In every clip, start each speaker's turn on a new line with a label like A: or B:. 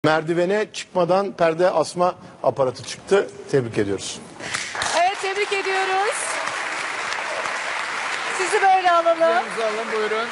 A: Merdivene çıkmadan perde asma aparatı çıktı. Tebrik ediyoruz.
B: Evet, tebrik ediyoruz. Sizi böyle alalım.
C: Alın, buyurun.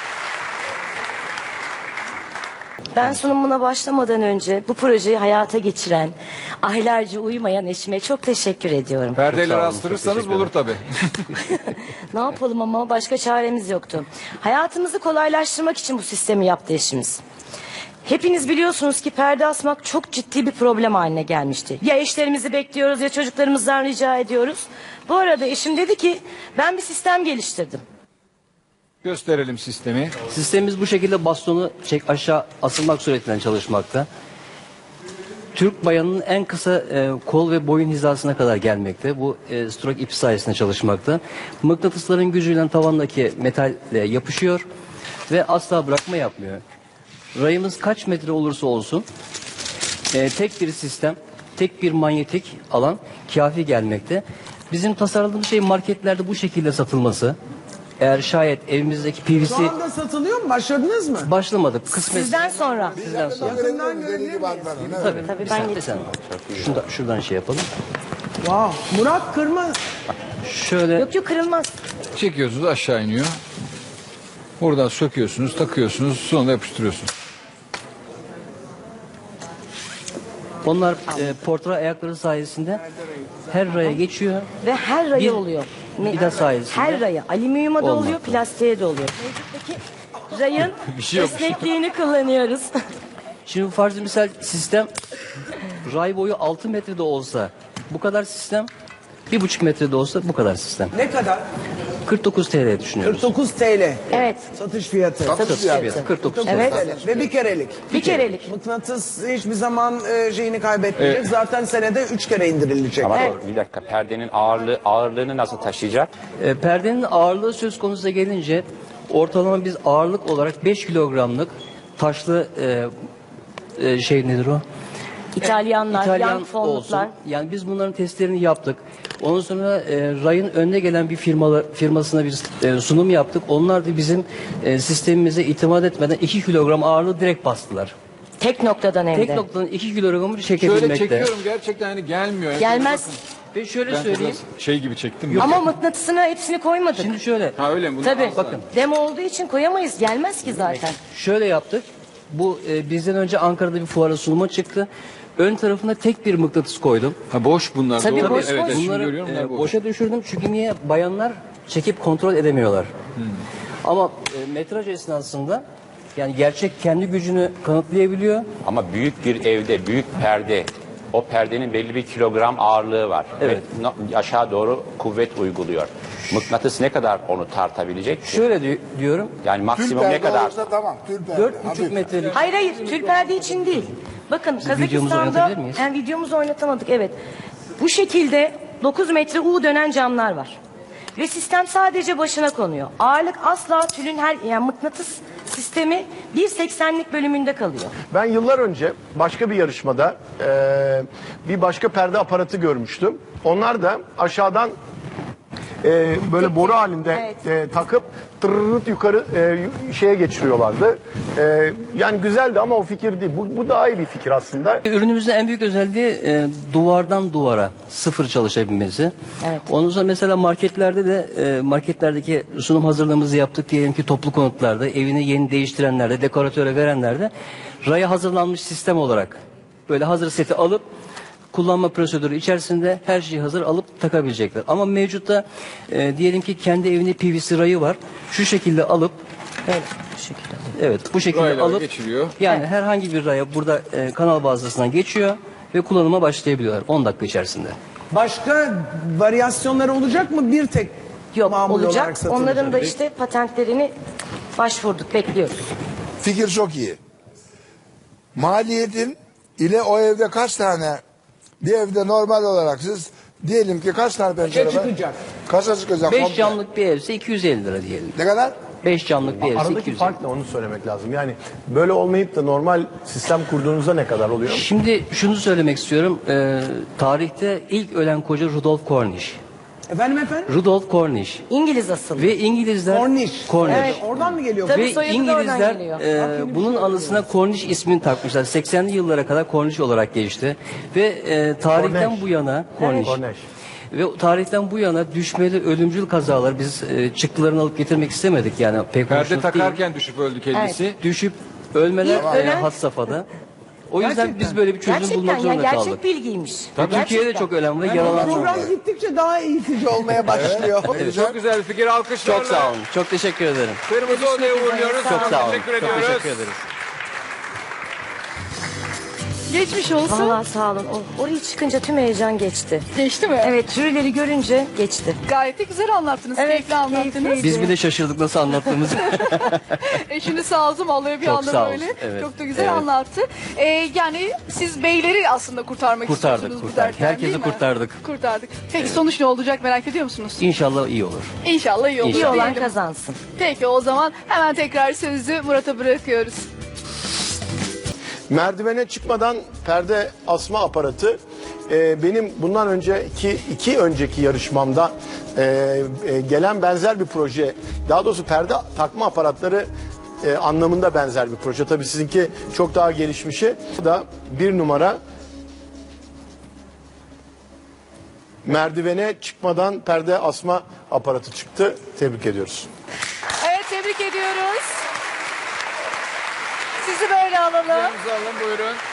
D: Ben sunumuna başlamadan önce bu projeyi hayata geçiren, aylarca uyumayan eşime çok teşekkür ediyorum.
C: Perdeyle astırırsanız bulur tabii.
D: Ne yapalım ama başka çaremiz yoktu. Hayatımızı kolaylaştırmak için bu sistemi yaptı eşimiz. Hepiniz biliyorsunuz ki perde asmak çok ciddi bir problem haline gelmişti. Ya eşlerimizi bekliyoruz ya çocuklarımızdan rica ediyoruz. Bu arada eşim dedi ki ben bir sistem geliştirdim.
C: Gösterelim sistemi.
E: Sistemimiz bu şekilde bastonu çek aşağı asılmak suretiyle çalışmakta. Türk bayanının en kısa kol ve boyun hizasına kadar gelmekte. Bu stroke ipi sayesinde çalışmakta. Mıknatısların gücüyle tavandaki metal yapışıyor ve asla bırakma yapmıyor. Rayımız kaç metre olursa olsun tek bir sistem, tek bir manyetik alan kafi gelmekte. Bizim tasarladığımız şey marketlerde bu şekilde satılması. Eğer şayet evimizdeki PVC...
F: Şu anda satılıyor mu? Başladınız mı?
E: Başlamadık. Kısmet.
D: Sizden sonra.
E: Sizden sonra.
F: Yakından görebilir miyiz?
D: Tabii ben
E: Sen, şuradan şey yapalım.
F: Wow. Murat Kırmaz.
E: Şöyle
D: Yok kırılmaz.
C: Çekiyorsunuz, aşağı iniyor. Buradan söküyorsunuz, takıyorsunuz, sonra yapıştırıyorsunuz.
E: onlar portre ayakları sayesinde her raya geçiyor.
D: Ve her rayı
E: Bir
D: oluyor.
E: vida sayesinde
D: Her rayı. Alüminyuma da oluyor,
E: olmakta.
D: plastiğe de oluyor. Mevcuttaki rayın
C: şey yok işte.
D: esnekliğini kullanıyoruz.
E: Şimdi farz misal sistem ray boyu 6 metrede olsa bu kadar sistem, 1,5 metrede olsa bu kadar sistem.
F: Ne kadar?
E: 49 TL düşünüyoruz.
F: 49 TL.
D: Evet.
F: Satış fiyatı.
E: Satış fiyatı 49 TL.
D: Evet.
F: TL. Ve bir kerelik.
D: Bir kerelik.
F: Mıknatıs hiçbir zaman şeyini kaybetmeyecek. Zaten senede 3 kere indirilecek.
G: Ama doğru, bir dakika, perdenin ağırlığını nasıl taşıyacak?
E: Perdenin ağırlığı söz konusu gelince ortalama biz ağırlık olarak 5 kilogramlık taşlı şey nedir o?
D: İtalyanlar, yan fonluklar.
E: Yani biz bunların testlerini yaptık. Ondan sonra Ray'ın önüne gelen bir firmasına biz sunum yaptık. Onlar da bizim sistemimize itimat etmeden 2 kilogram ağırlığı direkt bastılar.
D: Tek noktadan hem de.
E: Tek noktadan 2 kilogramı çekebilmekte.
C: Şöyle çekiyorum, gerçekten hani gelmiyor. Yani
D: Gelmez.
E: Ve şöyle
C: Ben
E: söyleyeyim.
C: biraz şey gibi çektim.
D: Ama mıknatısına hepsini koymadık.
E: Şimdi şöyle.
C: Ha öyle mi? Bunu
D: Tabii.
C: asla.
E: Bakın.
D: Demo olduğu için koyamayız. Gelmez ki zaten.
E: Şöyle yaptık. Bu bizden önce Ankara'da bir fuara sunuma çıktı. Ön tarafına tek bir mıknatıs koydum.
C: Ha boş bunlar.
D: Tabii
C: doğru.
D: boş,
C: Evet,
D: boş.
C: evet, şimdi
E: Bunları
C: görüyorum. bunlar boş.
E: boşa düşürdüm çünkü niye? Bayanlar çekip kontrol edemiyorlar. Ama metraj esnasında yani gerçek kendi gücünü kanıtlayabiliyor.
G: Ama büyük bir evde büyük perde, o perdenin belli bir kilogram ağırlığı var.
E: Evet.
G: Ve aşağı doğru kuvvet uyguluyor. Mıknatıs ne kadar onu tartabilecek ki?
E: Şöyle diyorum.
G: Yani maksimum ne kadar?
H: Tamam, tül perde.
E: 4,5 metrelik
D: Hayır hayır. Tül perde için değil. Bakın
E: videomuzu
D: Kazakistan'da
E: oynatabilir miyiz?
D: yani videomuzu oynatamadık evet. Bu şekilde 9 metre U dönen camlar var. Ve sistem sadece başına konuyor. Ağırlık asla tülün yani mıknatıs sistemi 1,80'lik bölümünde kalıyor.
A: Ben yıllar önce başka bir yarışmada bir başka perde aparatı görmüştüm. Onlar da aşağıdan böyle boru halinde takıp tırırırt yukarı şeye geçiriyorlardı. Yani güzeldi ama o fikir değil. Bu daha iyi bir fikir aslında.
E: Ürünümüzün en büyük özelliği duvardan duvara sıfır çalışabilmesi.
D: Evet.
E: Ondan sonra mesela marketlerde de marketlerdeki sunum hazırlığımızı yaptık diyelim ki toplu konutlarda evini yeni değiştirenlerde dekoratöre verenlerde raya hazırlanmış sistem olarak böyle hazır seti alıp kullanma prosedürü içerisinde her şeyi hazır alıp takabilecekler. Ama mevcutta diyelim ki kendi evinde PVC rayı var. Şu şekilde alıp
D: Bu şekilde.
E: evet bu şekilde
C: Raylar
E: alıp
C: geçiriyor.
E: yani herhangi bir raya burada kanal vasıtasından geçiyor ve kullanıma başlayabiliyorlar 10 dakika içerisinde.
F: Başka varyasyonları olacak mı? Bir tek
D: Yok
F: mamul olarak
D: olacak.
F: satılacak.
D: Onların da işte patentlerini başvurduk. Bekliyoruz.
H: Fikir çok iyi. Maliyetin ile o evde kaç tane, bir evde normal olarak siz diyelim ki kaç tane pencere var?
F: çıkacak?
H: Kaça çıkacak?
E: 5
H: komple?
E: camlık bir evse 250 lira diyelim.
H: Ne kadar?
E: 5 camlık bir evse
A: Aradaki
E: 250.
A: fark ne onu söylemek lazım. Yani böyle olmayıp da normal sistem kurduğunuzda ne kadar oluyor?
E: Şimdi şunu söylemek istiyorum. Tarihte ilk ölen koca Rudolf Cornish.
F: Efendim?
E: Rudolf Cornish.
D: İngiliz asıllı.
E: Ve İngilizler...
F: Cornish.
E: Cornish.
F: Evet, oradan mı geliyor?
D: Tabii.
E: Ve
D: soyadı da oradan
E: İngilizler
D: geliyor.
E: bunun anısına Cornish ismini takmışlar. 80'li yıllara kadar Cornish olarak geçti. Ve tarihten
A: Cornish.
E: bu yana Cornish.
A: Cornish.
E: Ve tarihten bu yana düşmeli ölümcül kazalar biz çıktılarını alıp getirmek istemedik yani pek
C: Perde
E: hoşnut değil.
C: takarken düşüp öldü kendisi.
E: Düşüp ölmeler
D: İlk ölen-
E: had safhada. O yüzden
F: Gerçekten.
E: biz böyle bir çözüm
D: Gerçekten
E: bulmak
D: yani
E: zorunda
D: gerçek
E: kaldık.
D: bilgiymiş.
E: Türkiye'de
D: Gerçekten.
E: çok ölen ve yaralanan var.
F: Program gittikçe daha eğitici olmaya başlıyor.
C: Çok güzel bir fikir, alkışlarla.
E: Çok sağ olun. Çok teşekkür ederim.
C: Kırmızı Oda'ya uğurluyoruz.
E: Çok sağ olun.
C: Teşekkür
E: Çok
C: ediyoruz.
E: teşekkür ederiz.
B: Geçmiş olsun.
D: Vallahi sağ olun. Oraya çıkınca tüm heyecan geçti.
B: Geçti mi?
D: Evet, jürileri görünce geçti.
B: Gayet de güzel anlattınız.
D: Evet,
B: Keyifli anlattınız.
D: keyifliydi.
E: Biz bir de şaşırdık nasıl anlattığımızı.
B: Eşiniz sağ olsun vallahi bir
E: Çok
B: anda
E: sağ
B: böyle.
E: olsun, evet.
B: Çok da güzel
E: Evet.
B: anlattı. Yani siz beyleri aslında kurtarmak istiyorsunuz bu
E: Kurtardık.
B: dertten,
E: Herkesi
B: değil mi?
E: kurtardık.
B: Kurtardık. Peki sonuç ne olacak merak ediyor musunuz?
E: İnşallah iyi olur.
B: İnşallah iyi olur.
D: İyi olan
B: diyelim.
D: kazansın.
B: Peki o zaman hemen tekrar sözü Murat'a bırakıyoruz.
A: Merdivene çıkmadan perde asma aparatı benim bundan önceki iki önceki yarışmamda gelen benzer bir proje. Daha doğrusu perde takma aparatları anlamında benzer bir proje. Tabii sizinki çok daha gelişmişi. Bu da bir numara merdivene çıkmadan perde asma aparatı çıktı. Tebrik ediyoruz.
B: Evet tebrik ediyoruz. Sizi böyle alalım.
C: Alalım buyurun.